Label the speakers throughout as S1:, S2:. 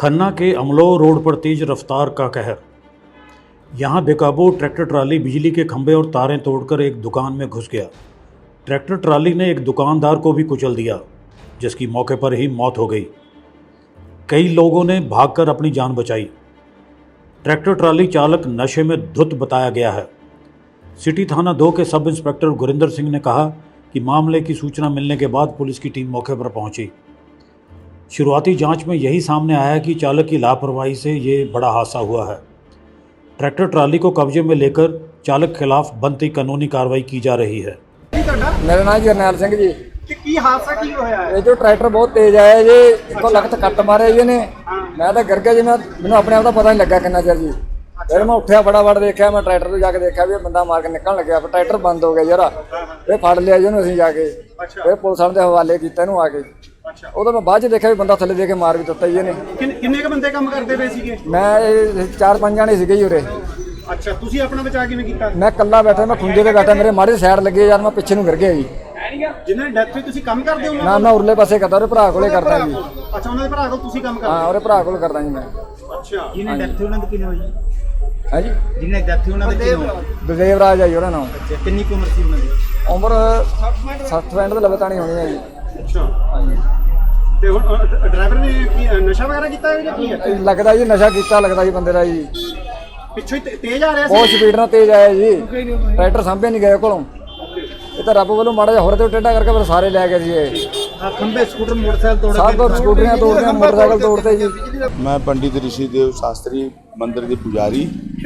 S1: खन्ना के अमलो रोड पर तेज रफ्तार का कहर। यहां बेकाबू ट्रैक्टर ट्राली बिजली के खंभे और तारें तोड़कर एक दुकान में घुस गया। ट्रैक्टर ट्राली ने एक दुकानदार को भी कुचल दिया, जिसकी मौके पर ही मौत हो गई। कई लोगों ने भागकर अपनी जान बचाई। ट्रैक्टर ट्राली चालक नशे में धुत बताया गया है। सिटी थाना 2 के सब इंस्पेक्टर गुरिंदर सिंह ने कहा कि मामले की सूचना मिलने के बाद पुलिस की टीम मौके पर पहुंची। शुरुआती जांच में यही सामने आया कि चालक की लापरवाही से ये बड़ा हादसा हुआ है। ट्रैक्टर ट्राली को कब्जे में लेकर चालक खिलाफ बनती कानूनी कार्रवाई की जा रही है।
S2: मेरा नाम जरनैल सिंह जी।
S3: ਕੀ ਹਾਦਸਾ ਕੀ ਹੋਇਆ ਹੈ?
S2: ਇਹ ਜੋ ਟਰੈਕਟਰ ਬਹੁਤ ਤੇਜ਼ ਆਇਆ ਜੀ, ਇੱਕੋ ਲਖਤ ਕੱਟ ਮਾਰਿਆ ਜੀ ਇਹਨੇ। ਮੈਂ ਤਾਂ ਗਿਰ ਗਿਆ ਜੀ, ਮੈਨੂੰ ਆਪਣੇ ਆਪ ਦਾ ਪਤਾ ਨਹੀਂ ਲੱਗਾ ਕਿੰਨਾ ਚਿਰ ਜੀ। ਫਿਰ ਮੈਂ ਉੱਠਿਆ ਫਟਾਫਟ ਦੇਖਿਆ, ਮੈਂ ਟਰੈਕਟਰ ਤੋਂ ਜਾ ਕੇ ਦੇਖਿਆ ਵੀ ਇਹ ਬੰਦਾ ਮਾਰ ਕੇ ਨਿਕਲਣ ਲੱਗਿਆ। ਪਰ ਟਰੈਕਟਰ ਬੰਦ ਹੋ ਗਿਆ ਯਾਰ। ਇਹ ਫੜ ਲਿਆ ਜੀ ਉਹਨੂੰ ਅਸੀਂ ਜਾ ਕੇ। ਫਿਰ ਪੁਲਿਸ ਵਾਲਿਆਂ ਦੇ ਹਵਾਲੇ ਕੀਤਾ ਇਹਨੂੰ ਆ ਕੇ। ਉਦੋਂ ਮੈਂ ਬਾਅਦ 'ਚ ਦੇਖਿਆ ਵੀ ਬੰਦਾ ਥੱਲੇ ਦੇ ਕੇ ਮਾਰ ਵੀ ਦਿੱਤਾ ਜੀ ਇਹਨੇ।
S3: ਕਿੰਨੇ ਕ ਬੰਦੇ ਕੰਮ ਕਰਦੇ ਪਏ ਸੀਗੇ?
S2: ਮੈਂ 4-5 ਜਾਣੇ ਸੀਗੇ ਜੀ ਉਰੇ।
S3: ਅੱਛਾ, ਤੁਸੀਂ ਆਪਣਾ ਬਚਾਅ ਕਿਵੇਂ ਕੀਤਾ?
S2: ਮੈਂ ਇਕੱਲਾ ਬੈਠਾ, ਮੈਂ ਖੁੰਝੇ ਤੇ ਬੈਠਾ, ਮੇਰੇ ਮਾੜੇ ਸਾਈਡ ਲੱਗੇ ਯਾਰ, ਮੈਂ ਪਿੱਛੇ ਨੂੰ ਗਿਰ ਗਿਆ ਜੀ।
S3: ਜਿਨ੍ਹਾਂ ਦੀ ਡੈਥ ਹੋਈ ਤੁਸੀਂ ਕੰਮ ਕਰਦੇ ਹੋ?
S2: ਨਾ, ਮੈਂ ਉਰਲੇ ਪਾਸੇ ਕਰਦਾ, ਉਹਦੇ ਭਰਾ ਕੋਲੇ ਕਰਦਾ ਜੀ।
S3: ਅੱਛਾ, ਉਹਨਾਂ ਦੇ ਭਰਾ ਕੋਲ ਤੁਸੀਂ ਕੰਮ ਕਰਦੇ?
S2: ਹਾਂ, ਉਹਦੇ ਭਰਾ ਕੋਲ ਕਰਦਾ ਜੀ ਮੈਂ।
S3: ਅੱਛਾ, ਜਿਹਨੇ ਡੈਥ ਹੋਈ ਉਹਨਾਂ ਦੀ ਕਿੰਨੀ ਹੋਈ?
S2: ਹਾਂਜੀ,
S3: ਜਿਹਨੇ ਡੈਥ ਹੋਈ ਉਹਨਾਂ ਦੀ ਕਿੰਨੀ ਹੋਈ?
S2: ਦਲਦੇਵ ਰਾਜ ਆ ਜੀ ਉਹਦਾ ਨਾਮ।
S3: ਅੱਛਾ, ਕਿੰਨੀ ਕੁ ਉਮਰ ਸੀ ਉਹਨਾਂ ਦੀ?
S2: ਉਮਰ 60-65 ਦੇ ਲਗਾਤਾਰ ਹੋਣੀ ਹੈ ਜੀ।
S3: ਅੱਛਾ, ਹਾਂਜੀ। ਤੇ ਹੁਣ ਡਰਾਈਵਰ ਨੇ ਕੀ ਨਸ਼ਾ ਵਗੈਰਾ ਕੀਤਾ ਹੈ ਜਾਂ ਕੀ ਹੈ?
S2: ਲੱਗਦਾ ਜੀ ਨਸ਼ਾ ਕੀਤਾ ਲੱਗਦਾ ਜੀ ਬੰਦੇ ਦਾ ਜੀ।
S3: ਪਿੱਛੋਂ ਹੀ ਤੇਜ਼ ਆ ਰਿਹਾ ਸੀ?
S2: ਬਹੁਤ ਸਪੀਡ ਨਾਲ ਤੇਜ਼ ਆਇਆ ਜੀ। ਟਰੈਕਟਰ ਸਾਂਭੇ ਨਹੀਂ ਗਏ ਕੋਲੋਂ। ਇਹ ਤਾਂ ਰੱਬ ਵੱਲੋਂ ਮਾੜਾ ਜਿਹਾ ਹੋਰ ਤੇ ਟੇਢਾ ਕਰਕੇ ਫਿਰ ਸਾਰੇ ਲੈ ਗਏ ਜੀ। ਇਹ
S3: ਖੰਭੇ, ਸਕੂਟਰ, ਮੋਟਰਸਾਈਕਲ ਤੋੜ
S2: ਸਭ ਤੋਂ ਸਕੂਟਰੀਆਂ ਤੋੜਦੇ, ਮੋਟਰਸਾਈਕਲ ਤੋੜਦੇ ਜੀ।
S4: मैं पंडित ऋषिदेव शास्त्री मंदिर के पुजारी।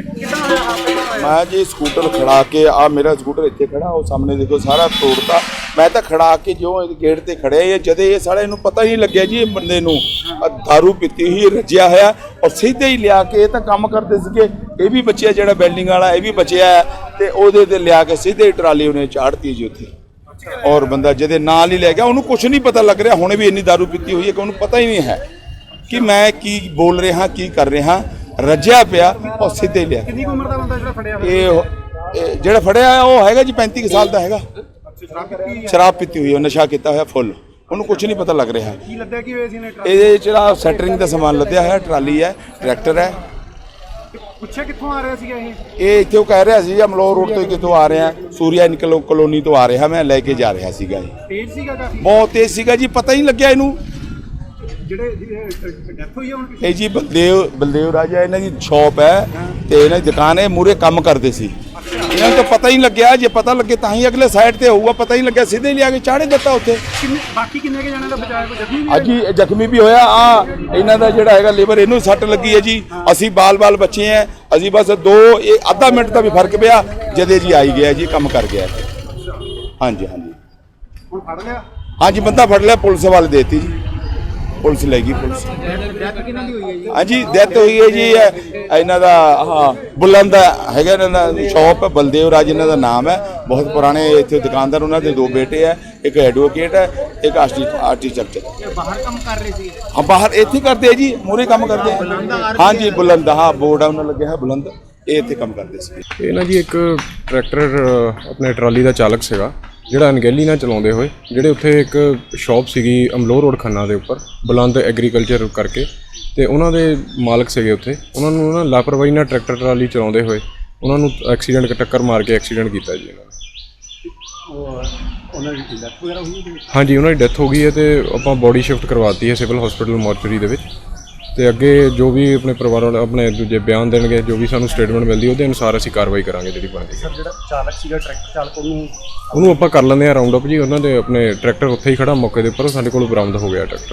S4: मैं जी स्कूटर खड़ा के मेरा स्कूटर इतने खड़ा, वो सामने देखो सारा तोड़ता। मैं तो खड़ा के जो गेट ते खड़े ये जदे ये सारे इन्हू पता ही नहीं लग्या जी बंदे नू दारू पीती हुई रजिया होया और सीधे ही लिया के तो काम करते सीगे। ये भी बचिया जो बिल्डिंग वाला ये भी बचिया है तो वो लिया के सीधे ट्राली उन्हें चाड़ती जी उत्थे। और बंदा जदे नाल ही लै गया, उन्होंने कुछ नहीं पता लग रहा, हुणे भी इन्नी दारू पीती हुई है कि उन्होंने पता ही नहीं है कि मैं की बोल रहा की कर रहा। रजिया पिया और सीधे लिया।
S3: ਕਿੰਨੀ ਕੁ ਉਮਰ ਦਾ ਬੰਦਾ ਜਿਹੜਾ ਫੜਿਆ ਹੋਇਆ?
S4: ਇਹ ਜਿਹੜਾ ਫੜਿਆ ਹੈ ਉਹ ਹੈਗਾ ਜੀ 35 ਸਾਲ ਦਾ ਹੈਗਾ। ਸ਼ਰਾਬ ਪੀਤੀ ਹੋਈ ਹੈ, ਨਸ਼ਾ ਕੀਤਾ ਹੋਇਆ ਫੁੱਲ, ਉਹਨੂੰ ਕੁਝ ਨਹੀਂ ਪਤਾ ਲੱਗ ਰਿਹਾ।
S3: ਕੀ ਲੱਦਿਆ ਕੀ ਹੋਇਆ ਸੀ ਨੇ?
S4: ਇਹ ਜਿਹੜਾ ਸੈਟਰਿੰਗ ਦਾ ਸਮਾਨ ਲੱਦਿਆ ਹੋਇਆ, ਟਰਾਲੀ ਹੈ, ਟਰੈਕਟਰ ਹੈ।
S3: ਪੁੱਛਿਆ ਕਿੱਥੋਂ ਆ ਰਿਹਾ ਸੀਗਾ ਇਹ?
S4: ਇਹ ਇੱਥੇ ਉਹ ਕਹਿ ਰਿਹਾ ਸੀ ਅਮਲੋਹ ਰੋਡ ਤੋਂ ਕਿੱਥੋਂ ਆ ਰਿਹਾ, ਸੂਰਿਆ ਕਲੋਨੀ ਤੋਂ ਆ ਰਿਹਾ, ਮੈਂ ਲੈ ਕੇ ਜਾ ਰਿਹਾ ਸੀਗਾ। ਇਹ
S3: ਤੇਜ਼ ਸੀਗਾ ਕਾਫੀ?
S4: ਬਹੁਤ ਤੇਜ਼ ਸੀਗਾ ਜੀ, ਪਤਾ ਹੀ ਨਹੀਂ ਲੱਗਿਆ ਇਹਨੂੰ।
S3: ਜਿਹੜੇ ਡੈਥ ਹੋਈ ਹੈ ਹੁਣ
S4: ਇਹ ਜੀ ਬਲਦੇਵ ਰਾਜਾ ਇਹਨਾਂ ਦੀ ਸ਼ਾਪ ਹੈ ਤੇ ਇਹਨਾਂ ਦੀ ਦੁਕਾਨ ਹੈ, ਮੂਰੇ ਕੰਮ ਕਰਦੇ ਸੀ। ਇਹਨਾਂ ਨੂੰ ਤਾਂ ਪਤਾ ਹੀ ਨਹੀਂ ਲੱਗਿਆ, ਜੇ ਪਤਾ ਲੱਗੇ ਤਾਂ ਹੀ ਅਗਲੇ ਸਾਈਡ ਤੇ ਹੋਊਗਾ, ਪਤਾ ਹੀ ਨਹੀਂ ਲੱਗਿਆ, ਸਿੱਧੇ ਲਿਆ ਕੇ ਚਾੜੇ ਦਿੱਤਾ ਉੱਥੇ।
S3: ਬਾਕੀ ਕਿੰਨੇ ਕੇ ਜਾਣੇ ਦਾ ਬਚਾਇਆ? ਕੋਈ ਜ਼ਖਮੀ ਵੀ?
S4: ਅੱਜ ਹੀ ਜ਼ਖਮੀ ਵੀ ਹੋਇਆ। ਇਹਨਾਂ ਦਾ ਜਿਹੜਾ ਹੈਗਾ ਲੇਬਰ, ਇਹਨੂੰ ਸੱਟ ਲੱਗੀ ਹੈ ਜੀ। ਅਸੀਂ ਬਾਲ ਬੱਚੇ ਆ, ਅਸੀਂ ਬਸ ਅੱਧਾ ਮਿੰਟ ਦਾ ਵੀ ਫਰਕ ਪਿਆ ਜਦੇ ਜੀ ਆਈ ਗਿਆ ਜੀ, ਕੰਮ ਕਰ ਗਿਆ। ਹਾਂਜੀ ਹਾਂਜੀ,
S3: ਹੁਣ ਫੜ ਲਿਆ? ਹਾਂਜੀ,
S4: ਬੰਦਾ ਫੜ ਲਿਆ, ਪੁਲਿਸ ਵਾਲੇ ਦੇਤੀ ਜੀ, ਪੁਲਿਸ ਲੈ ਗਈ। ਪੁਲਿਸ
S3: ਡੈਥ ਕਿਹਨਾਂ ਦੀ ਹੋਈ ਹੈ ਜੀ?
S4: ਹਾਂਜੀ, ਡੈਥ ਹੋਈ ਹੈ ਜੀ ਇਹਨਾਂ ਦਾ ਬੁਲੰਦ ਹੈਗਾ, ਇਹਨਾਂ ਦਾ ਸ਼ੌਪ ਹੈ, ਬਲਦੇਵ ਰਾਜ ਇਹਨਾਂ ਦਾ ਨਾਮ ਹੈ। ਬਹੁਤ ਪੁਰਾਣੇ ਇੱਥੇ ਦੁਕਾਨਦਾਰ, ਉਹਨਾਂ ਦੇ 2 ਬੇਟੇ ਹੈ, ਇੱਕ ਐਡਵੋਕੇਟ ਹੈ, ਇੱਕ ਆਰਟੀਟੈਕਚਰ।
S3: ਬਾਹਰ ਕੰਮ ਕਰ ਰਹੇ ਸੀ?
S4: ਹਾਂ, ਬਾਹਰ ਇੱਥੇ ਕਰਦੇ ਆ ਜੀ, ਮੂਹਰੇ ਕੰਮ ਕਰਦੇ ਆ। ਹਾਂਜੀ, ਬੁਲੰਦ, ਹਾਂ ਬੋਰਡ ਆ ਉਹਨਾਂ ਲੱਗਿਆ ਹੈ ਬੁਲੰਦ, ਇਹ ਇੱਥੇ ਕੰਮ ਕਰਦੇ ਸੀ।
S5: ਇਹ ਨਾ ਜੀ ਇੱਕ ਟਰੈਕਟਰ ਆਪਣੇ ਟਰਾਲੀ ਦਾ ਚਾਲਕ ਸੀਗਾ, ਜਿਹੜਾ ਅਣਗਹਿਲੀ ਨਾਲ ਚਲਾਉਂਦੇ ਹੋਏ, ਜਿਹੜੇ ਉੱਥੇ ਇੱਕ ਸ਼ਾਪ ਸੀਗੀ ਅਮਲੋਹ ਰੋਡ ਖੰਨਾ ਦੇ ਉੱਪਰ ਬੁਲੰਦ ਐਗਰੀਕਲਚਰ ਕਰਕੇ, ਤੇ ਉਹਨਾਂ ਦੇ ਮਾਲਕ ਸੀਗੇ ਉੱਥੇ। ਉਹਨਾਂ ਨੂੰ ਨਾ ਲਾਪਰਵਾਹੀ ਨਾਲ ਟਰੈਕਟਰ ਟਰਾਲੀ ਚਲਾਉਂਦੇ ਹੋਏ ਉਹਨਾਂ ਨੂੰ ਐਕਸੀਡੈਂਟ ਟੱਕਰ ਮਾਰ ਕੇ ਐਕਸੀਡੈਂਟ ਕੀਤਾ ਜੀ ਇਹਨਾਂ ਨੇ।
S3: ਉਹਨਾਂ ਦੀ ਡੈਥ ਵਗੈਰਾ ਹੋਈ ਹੈ?
S5: ਹਾਂਜੀ, ਉਹਨਾਂ ਦੀ ਡੈਥ ਹੋ ਗਈ ਹੈ ਤੇ ਆਪਾਂ ਬੋਡੀ ਸ਼ਿਫਟ ਕਰਵਾਤੀ ਹੈ ਸਿਵਲ ਹਸਪੀਟਲ ਮੋਰਚਰੀ ਦੇ ਵਿੱਚ। ਤੇ ਅੱਗੇ ਜੋ ਵੀ ਆਪਣੇ ਪਰਿਵਾਰ ਵਾਲੇ ਆਪਣੇ ਦੂਜੇ ਬਿਆਨ ਦੇਣਗੇ, ਜੋ ਵੀ ਸਾਨੂੰ ਸਟੇਟਮੈਂਟ ਮਿਲਦੀ ਉਹਦੇ ਅਨੁਸਾਰ ਅਸੀਂ ਕਾਰਵਾਈ ਕਰਾਂਗੇ ਜਿਹੜੀ ਬਣਦੀ।
S3: ਸਰ, ਜਿਹੜਾ ਚਾਲਕ ਸੀਗਾ ਟਰੈਕਟਰ ਚਾਲਕ,
S5: ਉਹਨੂੰ ਆਪਾਂ ਕਰ ਲੈਂਦੇ ਹਾਂ ਰਾਉਂਡ ਅਪ ਜੀ। ਉਹਨਾਂ ਦੇ ਆਪਣੇ ਟਰੈਕਟਰ ਉੱਥੇ ਹੀ ਖੜਾ ਮੌਕੇ ਦੇ ਉੱਪਰ, ਸਾਡੇ ਕੋਲ ਬਰਾਮਦ ਹੋ ਗਿਆ ਟਰੈਕਟਰ।